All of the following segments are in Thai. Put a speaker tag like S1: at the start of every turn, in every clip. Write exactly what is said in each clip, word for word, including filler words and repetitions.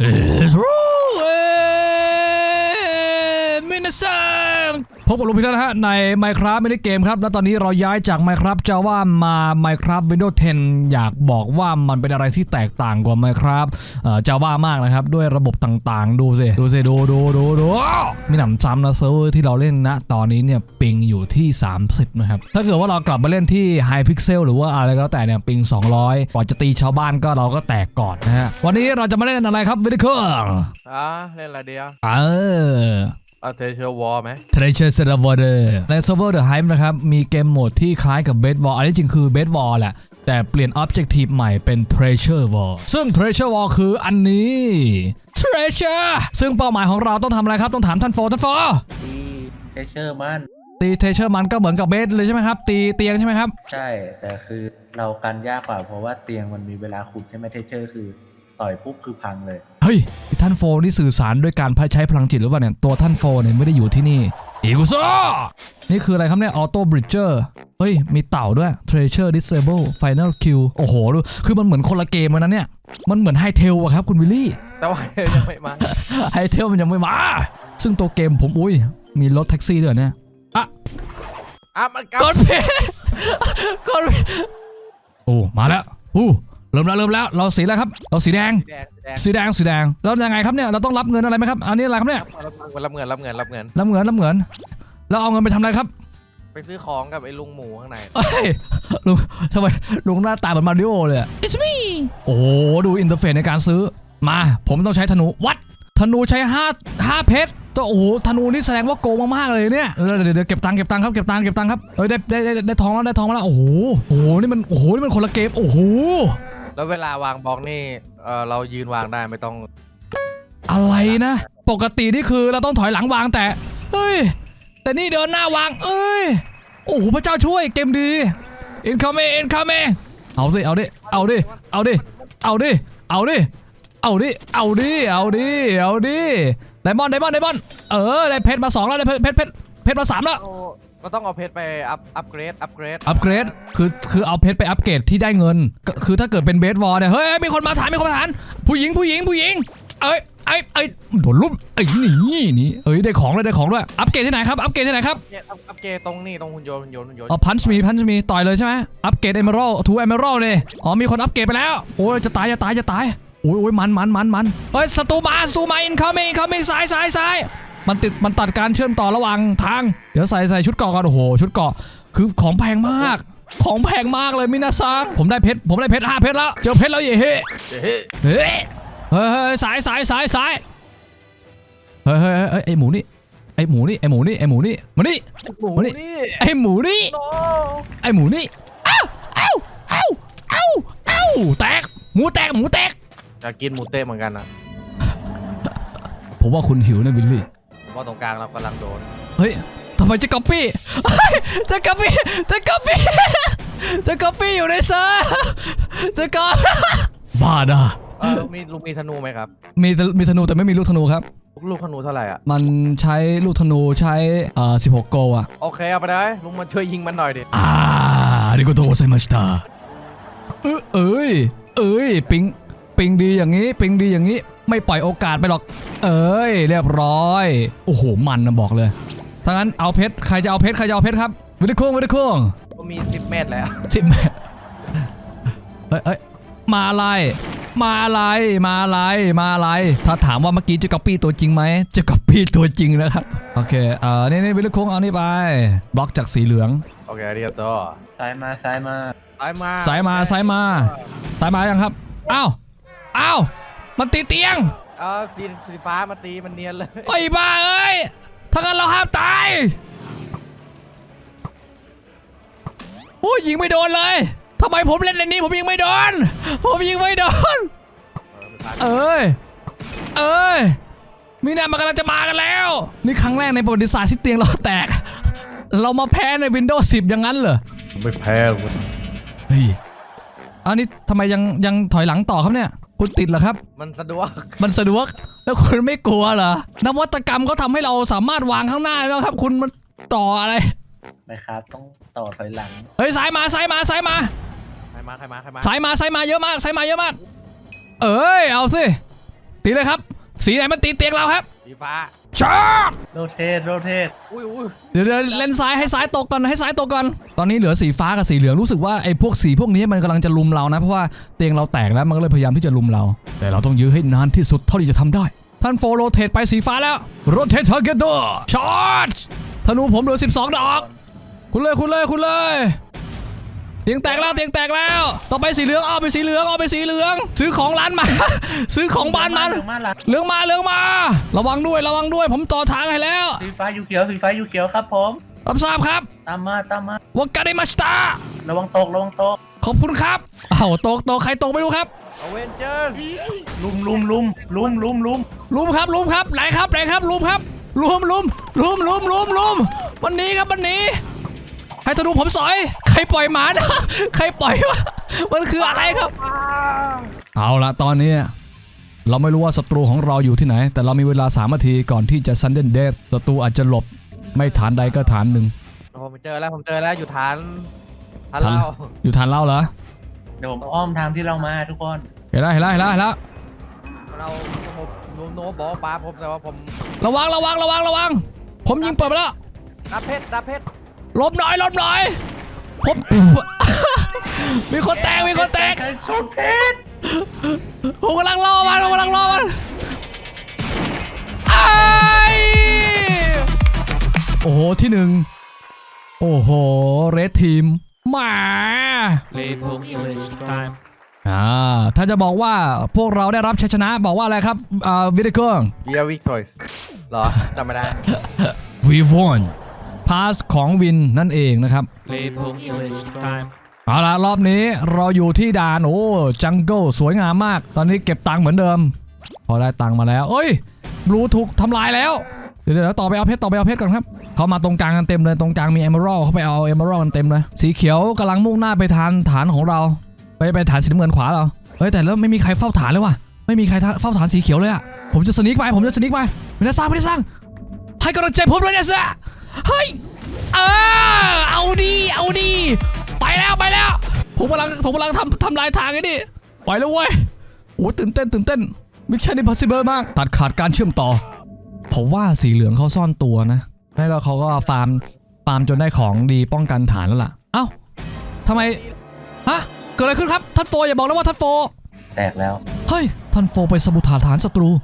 S1: มินาซังพบกับลุงพีนะฮะใน Minecraft ไม่ได้เกมครับแล้วตอนนี้เราย้ายจาก Minecraft Java มา Minecraft Windows เท็น อยากบอกว่ามันเป็นอะไรที่แตกต่างกว่า Minecraft เอ่อ Java มากนะครับด้วยระบบต่างๆดูสิดูสิดูดูดูดูมีหนำซ้ำนะเซิร์ฟเวอร์ที่เราเล่นนะตอนนี้เนี่ยปิงอยู่ที่สามสิบนะครับถ้าเกิดว่าเรากลับมาเล่นที่ High Pixel หรือว่าอะไรก็แล้วแต่เนี่ยปิงสองร้อยกว่าจะตีชาวบ้านก็เราก็แตกก่อนนะฮะวันนี้เราจะมาเล่นอะไรครับวิดีโอ
S2: อ่ะเล่นอะไรเดียว
S1: เออ
S2: เอาเทเชอร์วอลไหม
S1: Treasure Server ในเซิร์ฟเวอร์ The Hive นะครับมีเกมโหมดที่คล้ายกับ Bed War อันนี้จริงคือ Bed War แหละแต่เปลี่ยน Objective ใหม่เป็น Treasure War ซึ่ง Treasure War คืออันนี้ Treasure ซึ่งเป้าหมายของเราต้องทำอะไรครับต้องถามท่านโฟท่านโฟ
S3: ตีเทเชอร์มัน
S1: ตี Treasure มันก็เหมือนกับ Bed เลยใช่ไหมครับตีเตียงใช่ไหมครับ
S3: ใช่แต่คือเรากันยากกว่าเพราะว่าเตียงมันมีเวลาขุดใช่ไหมเทเชอร์คือต่อยปุ๊บคือพังเลย
S1: เฮ้ยท่านโฟนี่สื่อสารด้วยการใช้พลังจิตหรือเปล่าเนี่ยตัวท่านโฟเนี่ยไม่ได้อยู่ที่นี่อีกุโซนี่คืออะไรครับเนี่ยออโต้บริดเจอร์เฮ้ยมีเต่าด้วย Treasure Disable Final Kill โอ้โหดูคือมันเหมือนคนละเกมเลยนะเนี่ยมันเหมือนไฮเทลอะครับคุณวิลลี่
S2: แต่ว่ายังไม่มา
S1: ไฮเทลมันยังไม่มาซึ่งตัวเกมผมอุ้ยมีรถแท็กซี่ด้วยเนี่ยอ่ะ
S2: อ่ะมัน
S1: กดเพย์กดโอ้มาแล้วอู้เริ่มแล้วเริ่มแล้วเราสีแล้วครับเราสีแดงสีแดงสีแดงแล้วยังไงครับเนี่ยเราต้องรับเงินอะไรไหมครับอันนี้อะไรครับเนี่ย
S2: รับเงินรับเงินรับเงิน
S1: รับเงินรับเงินแล้วเอาเงินไปทำอะไรครับ
S2: ไปซื้อของกับไอ้ลุงหมูข้างใน
S1: เฮ้ยลุงทำไมลุงหน้าตาเหมือนมาริโอเลย It's me โอ้โหดูอินเทอร์เฟซในการซื้อมาผมต้องใช้ธนูวัดธนูใช้ห้าห้าเพชรตัวโอ้โหธนูนี่แสดงว่าโกงมากๆเลยเนี่ยเดี๋ยวเดี๋ยวเก็บตังค์เก็บตังค์ครับเก็บตังค์เก็บตังค์ครับเอ้ยได้ได้ได้ได้ทองแล้วได้ทองแล้วโอ้โหโอ้โหนี่มันโอ้โหนี่มันคนละเกมโอ้โห
S2: แล้วเวลาวางบล็อกนี่เออเรายืนวางได้ไม่ต้อง
S1: อะไรนะปกตินี่คือเราต้องถอยหลังวางแต่เฮ้ยแต่นี่เดินหน้าวางเอ้ยโอ้โหพระเจ้าช่วยเกมดี incoming incoming เอาสิเอาดิเอาดิเอาดิเอาดิเอาดิเอาดิเอาดิเอาดิเอาดิไดมอนด์ไดมอนด์ไดมอนด์เออได้เพชรมาสองแล้วได้เพชรเพชรเพชรมาสามแล้ว
S2: ก็ต้องเอาเพชรไปอัพอัพเกรดอัพเกรด
S1: อัพเกรดคือคือเอาเพชรไปอัพเกรดที่ได้เงินคือถ้าเกิดเป็นเบสวอลเนี่ยเฮ้ยมีคนมาถามมีคนมาถามผู้หญิงผู้หญิงผู้หญิงเอ้ยไอ้ไอ้โดนลุ่มไอ้นี่นี่เอ้ยได้ของเลยได้ของด้วยอัพเกรดที่ไหนครับอัพเกรดที่ไหนครับ
S2: อัพเกรดตรงนี้ตรงหุ่นยนต์หุ่นยนต์หุ่นยนต์
S1: อ๋อพันช์มีพันช์มีต่อยเลยใช่ไหมอัพเกรดเอเมอรัลทูเอเมอรัลเนี่ยอ๋อมีคนอัพเกรดไปแล้วโอ้ยจะตายจะตายจะตายโอ้ยโอ้ยมันมันมันมันเฮ้ยศัตรูมาศัตรูมาอินคัมมิ่งอินคัมมิ่งซ้ายซ้ายซ้ายมันติดมันตัดการเชื่อมต่อระหว่างทางเดี๋ยวใส่ใส่ชุดเกราะก่อนโอ้โหชุดเกราะคือของแพงมากของแพงมากเลยมินาซังผมได้เพชรผมได้เพชรห้าเพชรแล้วเจอเพชรแล้วเย่เฮ้เฮ้เฮ้เฮ้ยสายสายสายสายเฮ้ยเฮ้ยไอหมูนี่ไอหมูนี่ไอหมูนี่ไอหมูนี่มานี่มานี่ไอหมูนี่ไอหมูนี่เอ้าเอ้าเอ้าเอ้าเอ้าแตกหมูแตกหมูแตก
S2: จะกินหมูเต้เหมือนกันนะ
S1: ผมว่าคุณหิวนะวิลลี่
S2: ว่าตรงกลางเรากำลังโดน
S1: เฮ้ยทำไมจะก๊อปปี้จะก๊อปปี้จะก๊อปปี้จะก๊อปปี้อยู่ในเซิร์ฟจะก๊อปบ้าด่ะ
S2: ลูกมีลูกมีธนูไหมครับ
S1: มีมีธนูแต่ไม่มีลูกธนูครับ
S2: ลูกธนูเท่าไหร่อ่ะ
S1: มันใช้ลูกธนูใช้เอ่อสิบหกโกอ่ะ
S2: โอเคเอาไปได้ลุงมาช่วยยิงมันหน่อยดิ
S1: อ่าอาริโกโตไซมาชิตาเอ้ยเอ้ยเอ้ยปิงปิงดีอย่างนี้ปิงดีอย่างนี้ไม่ปล่อยโอกาสไปหรอกเอ้ยเรียบร้อยโอ้โหมันนะบอกเลยถ้างั้นเอาเพชรใครจะเอาเพชรใครจะเอาเพชรครับวิดิโค้งวิดิโค้ง
S2: ก็มีสิบเมตรแล้ว
S1: สิบเมตรเฮ้ยเฮ้ยมาอะไรมาอะไรมาอะไรมาอะไรถ้าถามว่าเมื่อกี้จะก๊อปปี้ตัวจริงไหมจะก๊อปปี้ตัวจริงนะครับโอเคเอ่อนี่นี่วิดิโค้งเอานี่ไปบล็อกจากสีเหลือง
S2: โอเคเรียบร้อย
S3: ซ้ายมาซ้ายมา
S2: ซ้ายมา
S1: ซ้ายมาซ้ายมาซ้ายมายังครับอ้าวอ้าวมันตีเตียง
S2: เออสีสีฟ้ามาตีมันเนียนเลย
S1: ไอ้บ้าเอ้ยถ้างั้นเราห้ามตายโอ้ยยิงไม่โดนเลยทำไมผมเล่นในนี้ผมยิงไม่โดนผมยิงไม่โดนเอ้ยเอ้ยมีนามันกำลังจะมากันแล้วนี่ครั้งแรกในประวัติศาสตร์ที่เตียงเราแตกเรามาแพ้ใน Windows สิบอย่างนั้นเหรอ
S2: ไม่แพ้เลย
S1: เฮ้ยอันนี้ทำไมยังยังถอยหลังต่อครับเนี่ยคุณติดเหรอครับ
S2: มันสะดวก
S1: มันสะดวกแล้วคุณไม่กลัวเหรอนวัตกรรมเขาทำให้เราสามารถวางข้างหน้าแล้วครับคุณมันต่ออะไร
S3: นะครับต้องต่อถอยหลัง
S1: เฮ้ยสายมาสายมาสายมา
S2: ใครมาใครมาใครมา
S1: สายมาสายมาเยอะมากสายมาเยอะมากเอ้ยเอาสิตีเลยครับสีไหนมันตีเตียงเราครับ
S2: สีฟ้า
S1: ช็อต
S3: โรเทตโรเทต
S2: อุ้ยอุ้ย
S1: เดี๋ยวเดี๋ยวเล่นซ้ายให้ซ้ายตกก่อนให้ซ้ายตกก่อนตอนนี้เหลือสีฟ้ากับสีเหลืองรู้สึกว่าไอ้พวกสีพวกนี้มันกำลังจะลุมเรานะเพราะว่าเตียงเราแตกแล้วมันก็เลยพยายามที่จะลุมเราแต่เราต้องยื้อให้นานที่สุดเท่าที่จะทำได้ท่านโฟโรเทตไปสีฟ้าแล้วโรเทตทาร์เก็ตดอร์ช็อตธนูผมเหลือสิบสองดอกคุณเลยคุณเลยคุณเลยเตียงแตกแล้วเตียงแตกแล้วต่อไปสีเหลืองเอาไปสีเหลืองเอาไปสีเหลือง ซื้อของร้านมา ซื้อของบ้านมัน
S3: เหลืองมาหลัง
S1: เหลืองมาเหลืองมา ระวังด้วยระวังด้วยผมต่อทางให้แล้ว
S3: สีฟ้ายูเขียวสีฟ้ายูเขียวครับผม
S1: รับทราบครับ
S3: ตามมาตามมาว
S1: ากาเดมาสตา
S3: ระวังตกระวังตก
S1: ขอบคุณครับอ้าวตกตกใครตกไม่รู้ครับ
S2: อเวนเจอร์ส
S3: ลุมลุมลุมลุมลุมลุม
S1: ลุมครับลุมครับไหนครับไหนครับลุมครับลุมลุมลุมลุมลุมลุมวันนี้ครับวันนี้ให้ธนูผมสอยใครปล่อยหมานะ ใครปล่อยวะมันคืออะไรครับ เอาละตอนนี้เราไม่รู้ว่าศัตรูของเราอยู่ที่ไหน แต่เรามีเวลาสามนาทีก่อนที่จะซันเดนเดธศัตรูอาจจะหลบไม่ฐานใดก็ฐานหนึ่ง
S2: ผมเจอแล้วผมเจอแล้วอยู่ฐานฐาน
S1: ฐาน
S2: เรา
S1: อยู่ฐานเราเหรอ
S3: เดี๋ยวผมอ้อมทางที่เรามาทุกคน
S1: เห็นแล้วเห็นแล้วเห็นแล้วเห็นแล้ว
S2: เราผมโนโนบอกว่าปลาผมแต่ว่าผม
S1: ระวังระวังระวังระวังผมยิงเปิดไปแล้ว
S2: ดับเพชรดับเพชร
S1: หลบหน่อยหลบหน่อยผม มีคนแตกมีคนแตก
S3: ใช้ชนเพชร
S1: ผมกำลังรอมันผมกำลังรอมันไอ้โอ้โหที่หนึ่งโอ้โหเรดทีมหมา
S4: Play Pong English time.
S1: อ่าถ้าจะบอกว่าพวกเราได้รับชัยชนะบอกว่าอะไรครับอ่าวิดเกิง
S2: เบียร์วิกตอร์สเหรอจำไม่ได้
S1: We won pass ของวินนั่นเองนะครับ
S4: Play Pong English time.
S1: เอาละรอบนี้เราอยู่ที่ด่านโอ้จังเกิลสวยงามมากตอนนี้เก็บตังค์เหมือนเดิม พอได้ตังค์มาแล้วเอ้ยบลูถูกทำลายแล้วเดี๋ยวเดี๋ยวต่อไปเอาเพชรต่อไปเอาเพชรก่อนครับเขามาตรงกลางกันเต็มเลยตรงกลางมีเอเมอรัลเขาไปเอาเอเมอรัลกันเต็มเลยสีเขียวกำลังมุ่งหน้าไปทางฐานของเราไปไปฐานสีน้ำเงินขวาเราเฮ้ยแต่แล้วไม่มีใครเฝ้าฐานเลยว่ะไม่มีใครเฝ้าฐานสีเขียวเลยอะผมจะสนิกไปผมจะสนิกไปไม่ได้สร้างไม่ได้สร้างให้กำลังใจผมด้วยนะเซ่เฮ้ยเออเอาดีเอาดีไปแล้วไปแล้วผมกำลังผมกำลังทำทำลายทางไอ้นี่ไปแล้วเว้ยโอ้ตื่นเต้นตื่นเต้นมิชชั่นอิมพอสซิเบิลมากตัดขาดการเชื่อมต่อผมว่าสีเหลืองเขาซ่อนตัวนะแล้วเขาก็ฟาร์มฟาร์มจนได้ของดีป้องกันฐานแล้วล่ะเอ้าทำไมฮะเกิดอะไรขึ้นครับท่านโฟอย่าบอกนะว่าท่านโฟ
S3: แตกแล้ว
S1: เฮ้ยท่านโฟไปสมุทฐานฐานศัตรู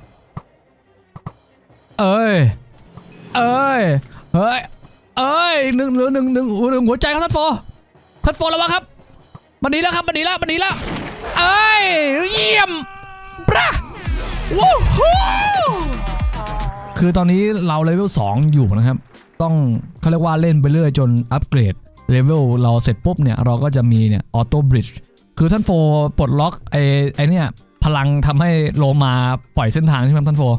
S1: เอ้ยเอ้ยเฮ้ยเอ้ยหนึ่งเหลือหนึ่งหนึ่งหนึ่งหัวใจครับท่านโฟท่านโฟระวังครับมันหนีแล้วครับมันหนีแล้วมันหนีแล้วเอ้ยเยี่ยมปะวู้ฮู้คือตอนนี้เราเลเวลสองอยู่นะครับต้องเขาเรียกว่าเล่นไปเรื่อยจนอัปเกรดเลเวลเราเสร็จปุ๊บเนี่ยเราก็จะมีเนี่ยออโต้บริดจ์คือท่านโฟปลดล็อกไอ้ไอ้เนี่ยพลังทำให้โลมาปล่อยเส้นทางใช่ไหมท่านโฟ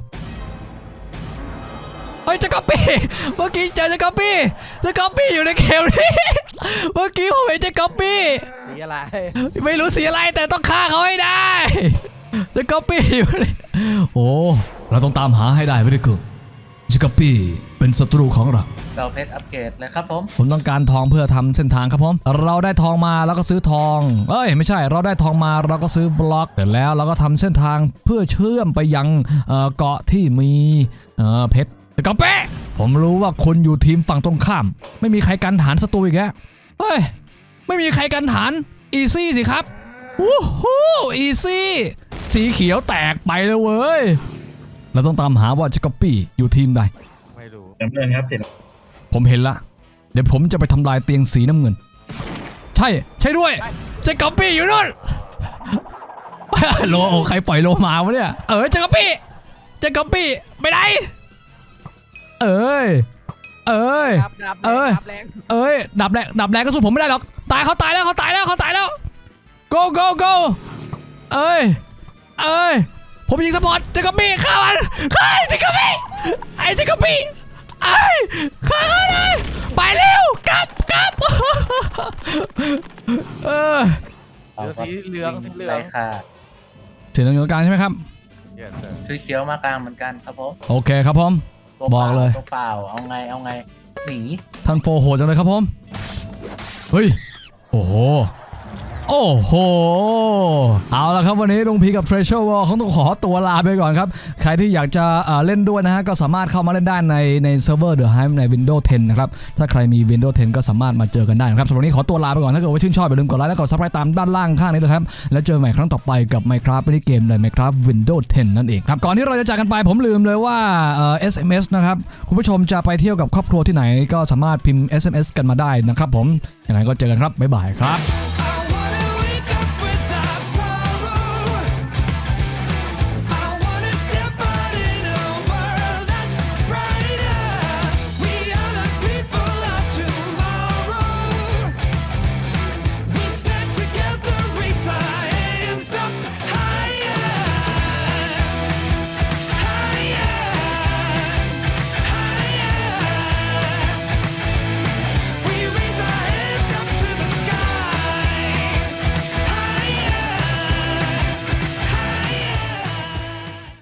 S1: เฮ้ยเจะก๊อปปี้เมื่อกี้เจอเจะก๊อปปี้เจะก๊อปปี้อยู่ในเกมนี้เมื่อกี้ผมเห็นเจะก๊อปปี้
S2: สีอะไร
S1: ไม่รู้สีอะไรแต่ต้องฆ่าเขาให้ได้เจะก๊อปปี้อยู่เลยโอ้เราต้องตามหาให้ได้ไม่ได้เกิดเจะก๊อปปี้เป็นศัตรูของเรา
S3: เราเพชรอัปเกรดเลยครับผม
S1: ผมต้องการทองเพื่อทำเส้นทางครับผมเราได้ทองมาแล้วก็ซื้อทองเอ้ยไม่ใช่เราได้ทองมาเราก็ซื้อบล็อกเสร็จแล้วเราก็ทำเส้นทางเพื่อเชื่อมไปยังเอ่อเกาะที่มีเอ่อเพชรกระเป๊ะผมรู้ว่าคุณอยู่ทีมฝั่งตรงข้ามไม่มีใครกันฐานศัตรูอีกแล้วเฮ้ยไม่มีใครกันฐานอีซี่สิครับวู้ฮู้อีซี่สีเขียวแตกไปเลยเว้ยเราต้องตามหาว่าจะก๊อปปี้อยู่ทีมใด
S2: ไม่รู้
S5: น้ำเงินครับสี
S1: ผมเห็นละเดี๋ยวผมจะไปทำลายเตียงสีน้ำเงินใช่ใช่ด้วยเจะก๊อปปี้อยู่นู่น โลโอใครปล่อยโลมาวะเนี่ยเออเจะก๊อปปี้เจะก๊อปปี้ไปไหนเอ้ยเอ้ย
S2: ดับดับ
S1: เอ้ย
S2: ดับแรง
S1: เอ้ยดับแรงดับแรงก็สู้ผมไม่ได้หรอกตายเขาตายแล้วเขาตายแล้วเขาตายแล้ว go go go เอ้ยเอ้ยผมยิงสปอร์ตเจะก๊อปปี้ฆ่ามันฆ่าเจะก๊อปปี้ไอ้เจะก๊อปปี้ไอ้ฆ่าเขาเลยไปเร็วกลับกลับเออ
S2: เหลือสีเหลืองสีเหลือง
S3: ไรค่ะ
S1: สีเหลืองอยู่ตรงกลางใช่ไหมครับ
S2: Yes sir
S3: สีเขียวมากลางเหมือนกันครับผม
S1: โอเคครับผม
S3: ตัว
S1: บอกเลย
S3: ตัวเปล่าเอาไงเอาไงหนี
S1: ท่านโฟโหดจังเลยครับผมเฮ้ยโอ้โหโอ้โหเอาละครับวันนี้ลุงพีกับ Treasure World เขาต้องขอตัวลาไปก่อนครับใครที่อยากจะเอ่อเล่นด้วยนะฮะก็สามารถเข้ามาเล่นได้ในในเซิร์ฟเวอร์ The Hive ใน Windows เท็นนะครับถ้าใครมี Windows เท็นก็สามารถมาเจอกันได้นะครับสำหรับวันนี้ขอตัวลาไปก่อนถ้าเกิดว่าชื่นชอบอย่าลืมกดไลค์และกด Subscribe ตามด้านล่างข้างนี้เลยครับแล้วเจอใหม่ครั้งต่อไปกับ Minecraft ในเกมใน Minecraft Windows เท็นนั่นเองครับก่อนที่เราจะจากกันไปผมลืมเลยว่าเอ่อ เอส เอ็ม เอส นะครับคุณผู้ชมจะไปเที่ยวกับครอบครัวที่ไหนก็สามารถพิมพ์ เอส เอ็ม เอส กันมาได้นะครับผมยังไงก็เจอกันครับบ๊ายบายครับ